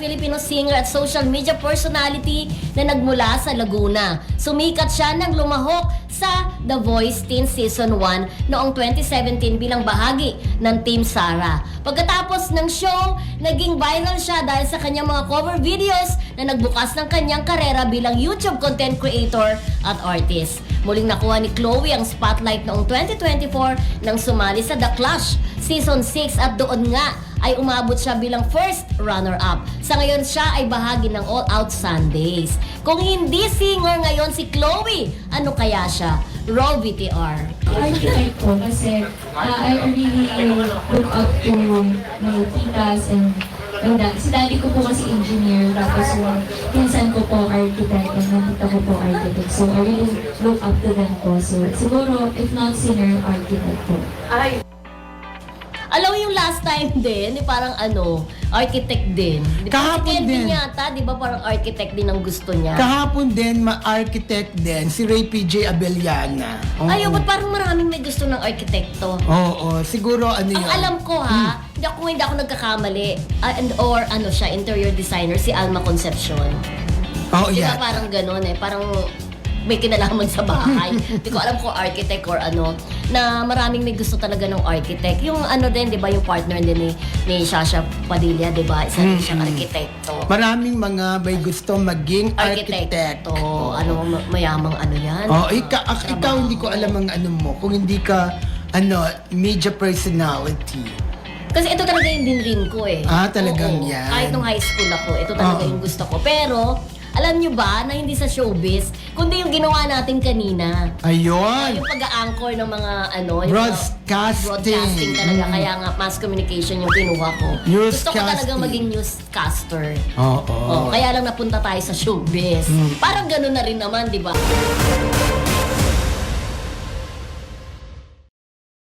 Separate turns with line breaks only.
Filipino singer at social media personality na nagmula sa Laguna. Sumikat siya nang lumahok sa The Voice Teen Season 1 noong 2017 bilang bahagi ng Team Sara. Pagkatapos ng show, naging viral siya dahil sa kanyang mga cover videos na nagbukas ng kanyang karera bilang YouTube content creator at artist. Muling nakuha ni Chloe ang spotlight noong 2024 nang sumali sa The Clash Season 6 at doon nga ay umabot siya bilang first runner-up. Sa ngayon siya ay bahagi ng All Out Sundays. Kung hindi singer ngayon si Chloe, ano kaya siya? Raw VTR.
Archetype ko kasi I really look up to my titas and si daddy ko po kasi engineer, tapos yung pinsan ko po architect and yung tita ko po architect. So I really look up to them po. So siguro, if not singer, architect po.
Alam mo yung last time din, parang architect din.
Kahapon din.
Yata, di ba parang architect din ang gusto niya?
Kahapon din, ma-architect din, si Ray PJ Abellana. Oo.
Ayaw, ba't parang maraming may gusto ng arkitekto?
Oo, siguro ano yun.
Ang alam ko hindi ako nagkakamali, or siya, interior designer, si Alma Concepcion.
Oo,
Di ba
yeah.
parang gano'n parang may kinalaman sa bahay. Hindi ko alam kung architect or na maraming may gusto talaga ng architect. Yung din, di ba, yung partner din ni Shasha Padilla, di ba? Isa rin siyang arkitekto.
Maraming mga may gusto maging architect.
Mayamang yan.
Oh, ikaw hindi ko alam ang mo, kung hindi ka media personality.
Kasi ito talaga yung dinrim ko
Talagang
Oo.
yan.
Kahit nung high school ako, ito talaga yung gusto ko. Pero, alam nyo ba na hindi sa showbiz, kundi yung ginawa natin kanina.
Ayun.
Yung pag-a-anchor ng mga yung
Broadcasting.
talaga. Kaya nga, mass communication yung kinuha ko. Gusto ko talaga maging newscaster.
Oo.
Kaya lang napunta tayo sa showbiz. Parang gano'n na rin naman, di ba?